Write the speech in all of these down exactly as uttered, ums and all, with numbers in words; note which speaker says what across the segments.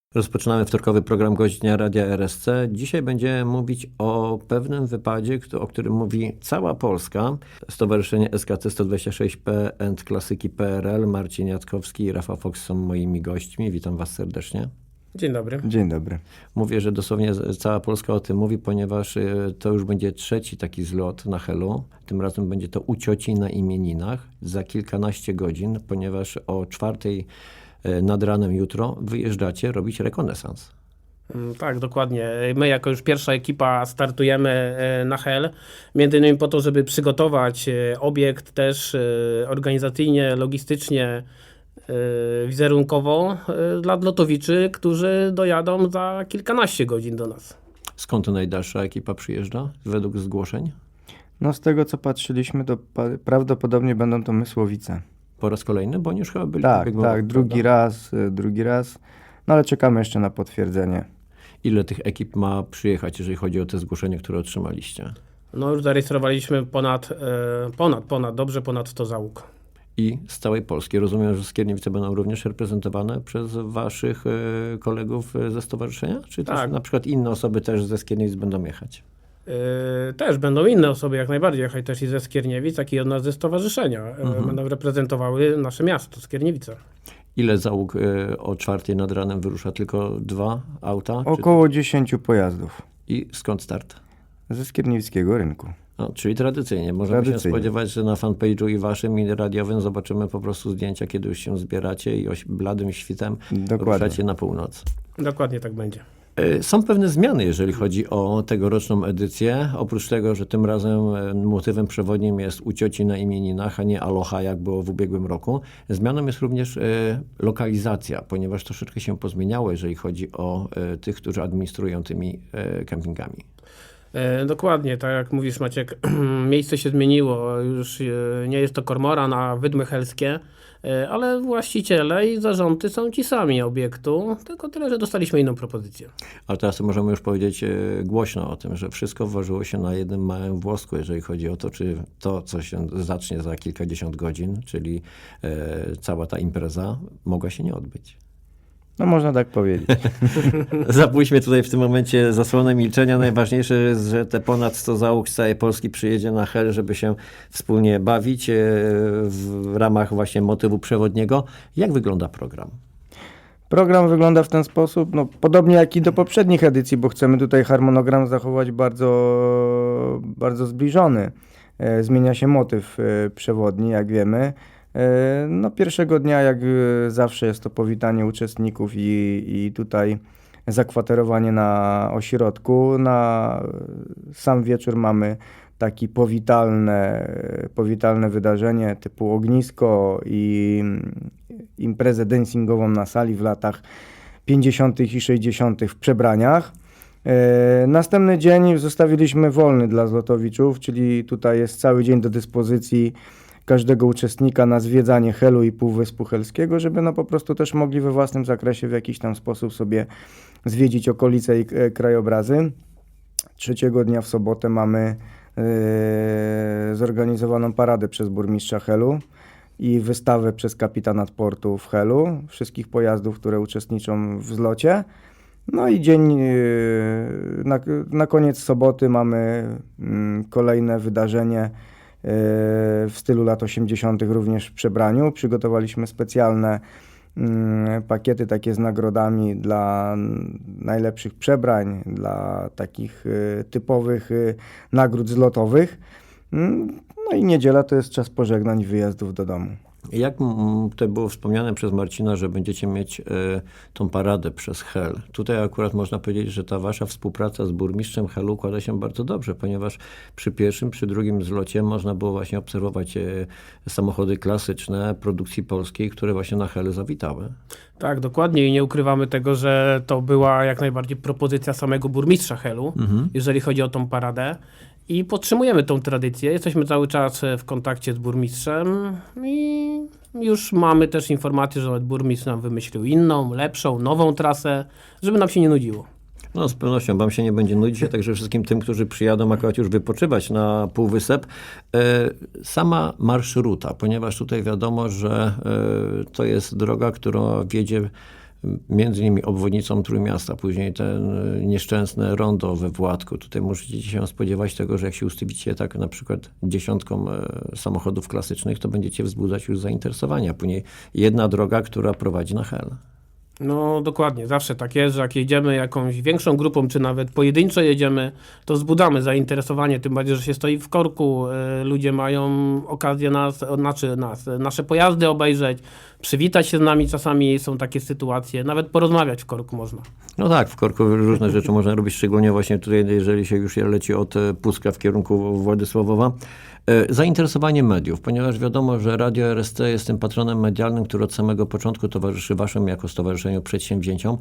Speaker 1: Rozpoczynamy wtorkowy program Gość Dnia Radia R S C. Dzisiaj będziemy mówić o pewnym wypadzie, o którym mówi cała Polska. Stowarzyszenie S K C sto dwadzieścia sześć P and Klasyki P R L. Marcin Jackowski i Rafał Fox są moimi gośćmi. Witam was serdecznie.
Speaker 2: Dzień dobry.
Speaker 3: Dzień dobry.
Speaker 1: Mówię, że dosłownie cała Polska o tym mówi, ponieważ to już będzie trzeci taki zlot na Helu. Tym razem będzie to u cioci na imieninach za kilkanaście godzin, ponieważ o czwartej nad ranem jutro wyjeżdżacie robić rekonesans.
Speaker 2: Tak, dokładnie. My jako już pierwsza ekipa startujemy na Hel, między innymi po to, żeby przygotować obiekt też organizacyjnie, logistycznie, wizerunkowo dla lotowiczy, którzy dojadą za kilkanaście godzin do nas.
Speaker 1: Skąd najdalsza ekipa przyjeżdża według zgłoszeń?
Speaker 3: No z tego co patrzyliśmy, to pa- prawdopodobnie będą to Mysłowice.
Speaker 1: Po raz kolejny, bo oni już chyba byli.
Speaker 3: Tak,
Speaker 1: w
Speaker 3: tak, drugi raz, y, drugi raz. No ale czekamy jeszcze na potwierdzenie.
Speaker 1: Ile tych ekip ma przyjechać, jeżeli chodzi o te zgłoszenia, które otrzymaliście?
Speaker 2: No już zarejestrowaliśmy ponad, ponad, ponad, dobrze ponad sto załóg.
Speaker 1: I z całej Polski. Rozumiem, że Skierniewice będą również reprezentowane przez waszych y, kolegów ze stowarzyszenia? Czy
Speaker 2: Tak.
Speaker 1: też na przykład inne osoby też ze Skierniewic będą jechać?
Speaker 2: Yy, też będą inne osoby jak najbardziej jechać też i ze Skierniewic, jak i od nas ze stowarzyszenia. Yy,
Speaker 1: Mhm.
Speaker 2: Będą reprezentowały nasze miasto, Skierniewice.
Speaker 1: Ile załóg y, o czwartej nad ranem wyrusza? Tylko dwa auta? Czy...
Speaker 3: Około dziesięciu pojazdów
Speaker 1: I skąd start?
Speaker 3: ze Skierniewickiego rynku.
Speaker 1: No, czyli tradycyjnie. Możemy się
Speaker 3: Tradycyjnie.
Speaker 1: spodziewać, że na fanpage'u i waszym, i radiowym zobaczymy po prostu zdjęcia, kiedy już się zbieracie i oś- bladym świtem
Speaker 3: Dokładnie.
Speaker 1: ruszacie na północ.
Speaker 2: Dokładnie tak będzie.
Speaker 1: Y, Są pewne zmiany, jeżeli chodzi o tegoroczną edycję. Oprócz tego, że tym razem y, motywem przewodnim jest u cioci na imieninach, a nie aloha, jak było w ubiegłym roku. Zmianą jest również y, lokalizacja, ponieważ troszeczkę się pozmieniało, jeżeli chodzi o y, tych, którzy administrują tymi y, kempingami.
Speaker 2: E, dokładnie, tak jak mówisz Maciek, miejsce się zmieniło, już e, nie jest to Kormoran, a Wydmy Helskie, e, ale właściciele i zarządy są ci sami obiektu, tylko tyle, że dostaliśmy inną propozycję.
Speaker 1: Ale teraz możemy już powiedzieć e, głośno o tym, że wszystko ważyło się na jednym małym włosku, jeżeli chodzi o to, czy to, co się zacznie za kilkadziesiąt godzin, czyli e, cała ta impreza, mogła się nie odbyć.
Speaker 3: No można tak powiedzieć.
Speaker 1: Zapuśćmy tutaj w tym momencie zasłonę milczenia. Najważniejsze jest, że te ponad sto załóg z całej Polski przyjedzie na Hel, żeby się wspólnie bawić e, w ramach właśnie motywu przewodniego. Jak wygląda program?
Speaker 3: Program wygląda w ten sposób, no podobnie jak i do poprzednich edycji, bo chcemy tutaj harmonogram zachować bardzo, bardzo zbliżony. E, Zmienia się motyw e, przewodni, jak wiemy. E, No pierwszego dnia, jak e, zawsze, jest to powitanie uczestników i, i tutaj zakwaterowanie na ośrodku. Na sam wieczór mamy takie powitalne, powitalne wydarzenie typu ognisko i imprezę dancingową na sali w latach pięćdziesiątych i sześćdziesiątych w przebraniach. E, Następny dzień zostawiliśmy wolny dla zlotowiczów, czyli tutaj jest cały dzień do dyspozycji każdego uczestnika na zwiedzanie Helu i Półwyspu Helskiego, żeby no po prostu też mogli we własnym zakresie w jakiś tam sposób sobie zwiedzić okolice i e, krajobrazy. Trzeciego dnia w sobotę mamy e, zorganizowaną paradę przez burmistrza Helu i wystawę przez kapitana portu w Helu wszystkich pojazdów, które uczestniczą w zlocie. No i dzień, e, na, na koniec soboty mamy mm, kolejne wydarzenie e, w stylu lat osiemdziesiątych również w przebraniu. Przygotowaliśmy specjalne mm, pakiety takie z nagrodami dla najlepszych przebrań, dla takich e, typowych e, nagród zlotowych. Mm, No i niedziela to jest czas pożegnań i wyjazdów do domu.
Speaker 1: Jak mm, to było wspomniane przez Marcina, że będziecie mieć e, tą paradę przez Hel. Tutaj akurat można powiedzieć, że ta wasza współpraca z burmistrzem Helu układa się bardzo dobrze, ponieważ przy pierwszym, przy drugim zlocie można było właśnie obserwować e, samochody klasyczne produkcji polskiej, które właśnie na Helu zawitały.
Speaker 2: Tak, dokładnie i nie ukrywamy tego, że to była jak najbardziej propozycja samego burmistrza Helu,
Speaker 1: Mhm.
Speaker 2: jeżeli chodzi o tą paradę. I podtrzymujemy tą tradycję. Jesteśmy cały czas w kontakcie z burmistrzem i już mamy też informację, że nawet burmistrz nam wymyślił inną, lepszą, nową trasę, żeby nam się nie nudziło.
Speaker 1: No z pewnością wam się nie będzie nudzić, a także wszystkim tym, którzy przyjadą akurat już wypoczywać na Półwysep. E, sama marszruta, ponieważ tutaj wiadomo, że e, to jest droga, która wiedzie między innymi obwodnicą Trójmiasta, później ten nieszczęsne rondo we Władku. Tutaj możecie się spodziewać tego, że jak się ustawicie tak na przykład dziesiątką samochodów klasycznych, to będziecie wzbudzać już zainteresowania. Później jedna droga, która prowadzi na Hel.
Speaker 2: No dokładnie, zawsze tak jest, że jak jedziemy jakąś większą grupą, czy nawet pojedynczo jedziemy, to wzbudzamy zainteresowanie, tym bardziej, że się stoi w korku, y, ludzie mają okazję nas, znaczy nas, nasze pojazdy obejrzeć, przywitać się z nami, czasami są takie sytuacje, nawet porozmawiać w korku można.
Speaker 1: No tak, w korku różne rzeczy można robić, szczególnie właśnie tutaj, jeżeli się już leci od Pucka w kierunku Władysławowa. Zainteresowanie mediów, ponieważ wiadomo, że Radio R S C jest tym patronem medialnym, który od samego początku towarzyszy waszym jako stowarzyszeniu przedsięwzięciom.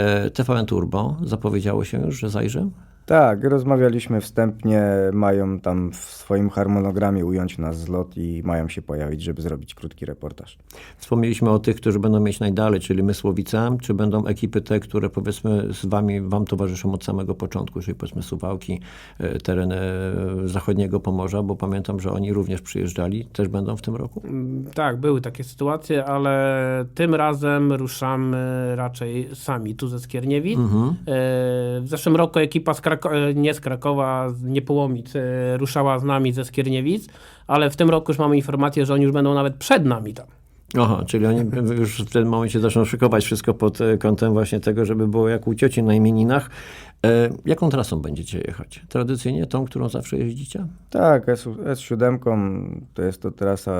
Speaker 1: T V N Turbo zapowiedziało się już, że zajrzy?
Speaker 3: Tak, rozmawialiśmy wstępnie, mają tam w swoim harmonogramie ująć nas zlot i mają się pojawić, żeby zrobić krótki reportaż.
Speaker 1: Wspomnieliśmy o tych, którzy będą mieć najdalej, czyli Mysłowice, czy będą ekipy te, które powiedzmy z wami, wam towarzyszą od samego początku, czyli powiedzmy Suwałki, tereny zachodniego Pomorza, bo pamiętam, że oni również przyjeżdżali, też będą w tym roku?
Speaker 2: Tak, były takie sytuacje, ale tym razem ruszamy raczej sami, tu ze Skierniewic.
Speaker 1: Mhm.
Speaker 2: W zeszłym roku ekipa z Krako- nie z Krakowa, z Niepołomic ruszała z nami ze Skierniewic, ale w tym roku już mamy informację, że oni już będą nawet przed nami tam.
Speaker 1: Aha, czyli oni już w tym momencie zaczną szykować wszystko pod kątem właśnie tego, żeby było jak u cioci na imieninach. E, jaką trasą będziecie jechać? Tradycyjnie tą, którą zawsze jeździcie?
Speaker 3: Tak, S siedem to jest to trasa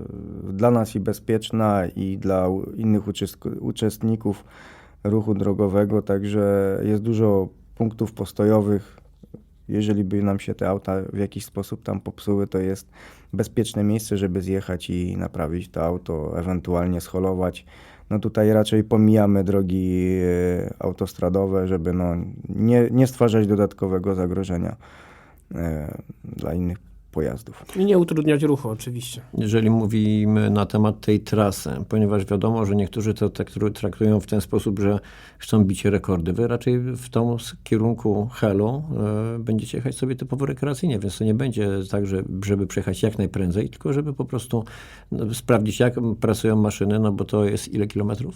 Speaker 3: dla nas i bezpieczna, i dla innych uczest- uczestników ruchu drogowego, także jest dużo punktów postojowych. Jeżeli by nam się te auta w jakiś sposób tam popsuły, to jest bezpieczne miejsce, żeby zjechać i naprawić to auto, ewentualnie scholować. No tutaj raczej pomijamy drogi autostradowe, żeby no nie, nie stwarzać dodatkowego zagrożenia e, dla innych pojazdów.
Speaker 2: I nie utrudniać ruchu oczywiście.
Speaker 1: Jeżeli mówimy na temat tej trasy, ponieważ wiadomo, że niektórzy to traktują w ten sposób, że chcą bić rekordy. Wy raczej w tą kierunku Helu y, będziecie jechać sobie typowo rekreacyjnie, więc to nie będzie tak, że, żeby przejechać jak najprędzej, tylko żeby po prostu no, sprawdzić, jak pracują maszyny, no bo to jest ile kilometrów?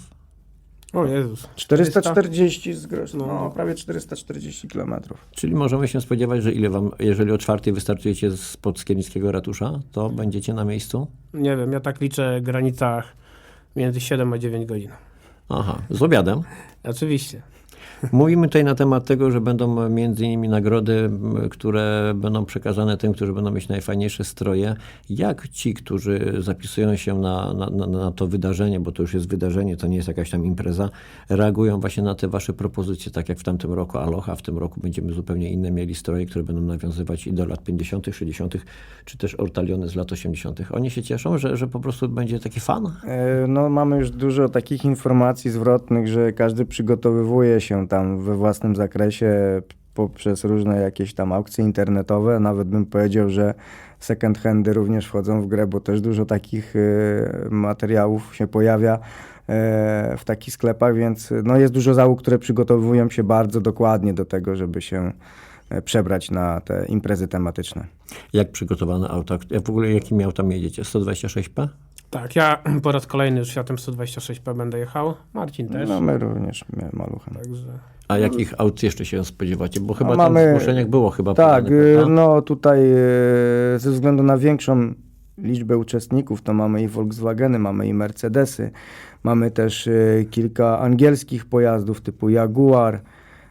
Speaker 2: O Jezus.
Speaker 3: czterysta czterdzieści z grosz,
Speaker 2: No.
Speaker 3: no prawie czterysta czterdzieści kilometrów.
Speaker 1: Czyli możemy się spodziewać, że ile wam, jeżeli o czwartej wystartujecie spod Skiernickiego ratusza, to będziecie na miejscu?
Speaker 2: Nie wiem, ja tak liczę w granicach między siedem a dziewięć godzin.
Speaker 1: Aha, z obiadem.
Speaker 2: Oczywiście.
Speaker 1: Mówimy tutaj na temat tego, że będą między innymi nagrody, które będą przekazane tym, którzy będą mieć najfajniejsze stroje. Jak ci, którzy zapisują się na, na, na, na to wydarzenie, bo to już jest wydarzenie, to nie jest jakaś tam impreza, reagują właśnie na te wasze propozycje, tak jak w tamtym roku Aloha, w tym roku będziemy zupełnie inne mieli stroje, które będą nawiązywać i do lat pięćdziesiątych, sześćdziesiątych, czy też ortaliony z lat osiemdziesiątych. Oni się cieszą, że, że po prostu będzie taki fan?
Speaker 3: E, No mamy już dużo takich informacji zwrotnych, że każdy przygotowywuje się tam we własnym zakresie poprzez różne jakieś tam aukcje internetowe. Nawet bym powiedział, że second handy również wchodzą w grę, bo też dużo takich e, materiałów się pojawia e, w takich sklepach, więc no jest dużo załóg, które przygotowują się bardzo dokładnie do tego, żeby się e, przebrać na te imprezy tematyczne.
Speaker 1: Jak przygotowane auta? Jak w ogóle jakimi autami jedziecie? sto dwadzieścia sześć P?
Speaker 2: Tak, ja po raz kolejny już Fiatem sto dwadzieścia sześć P będę jechał. Marcin też.
Speaker 3: No my również maluchem.
Speaker 2: Także...
Speaker 1: A jakich aut jeszcze się spodziewacie? Bo chyba
Speaker 3: No,
Speaker 1: tam
Speaker 3: mamy-
Speaker 1: w zgłoszeniach było chyba
Speaker 3: Tak,
Speaker 1: podane,
Speaker 3: y,
Speaker 1: prawda?
Speaker 3: no tutaj y, ze względu na większą liczbę uczestników, to mamy i Volkswageny, mamy i Mercedesy, mamy też y, kilka angielskich pojazdów typu Jaguar, y,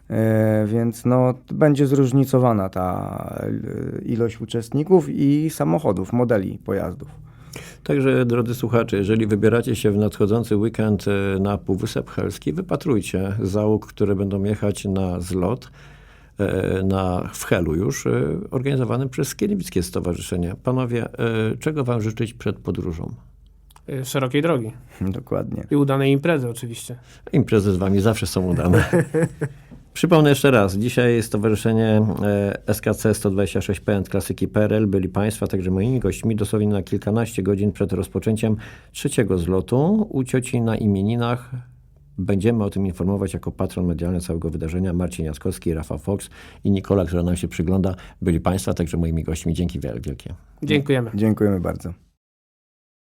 Speaker 3: więc no będzie zróżnicowana ta y, ilość uczestników i samochodów, modeli pojazdów.
Speaker 1: Także, drodzy słuchacze, jeżeli wybieracie się w nadchodzący weekend e, na Półwysep Helski, wypatrujcie załóg, które będą jechać na zlot e, na, w Helu już, e, organizowanym przez Skierniewickie Stowarzyszenie. Panowie, e, czego wam życzyć przed podróżą?
Speaker 2: y, Szerokiej drogi.
Speaker 3: Dokładnie.
Speaker 2: I udanej imprezy oczywiście.
Speaker 1: Imprezy z wami zawsze są udane. Przypomnę jeszcze raz, dzisiaj Stowarzyszenie e, S K C sto dwadzieścia sześć P and Klasyki P R L byli Państwa, także moimi gośćmi dosłownie na kilkanaście godzin przed rozpoczęciem trzeciego zlotu u cioci na imieninach. Będziemy o tym informować jako patron medialny całego wydarzenia. Marcin Jackowski, Rafał Fox i Nikola, która nam się przygląda, byli Państwa, także moimi gośćmi. Dzięki wielkie.
Speaker 2: Dziękujemy.
Speaker 3: Dziękujemy bardzo.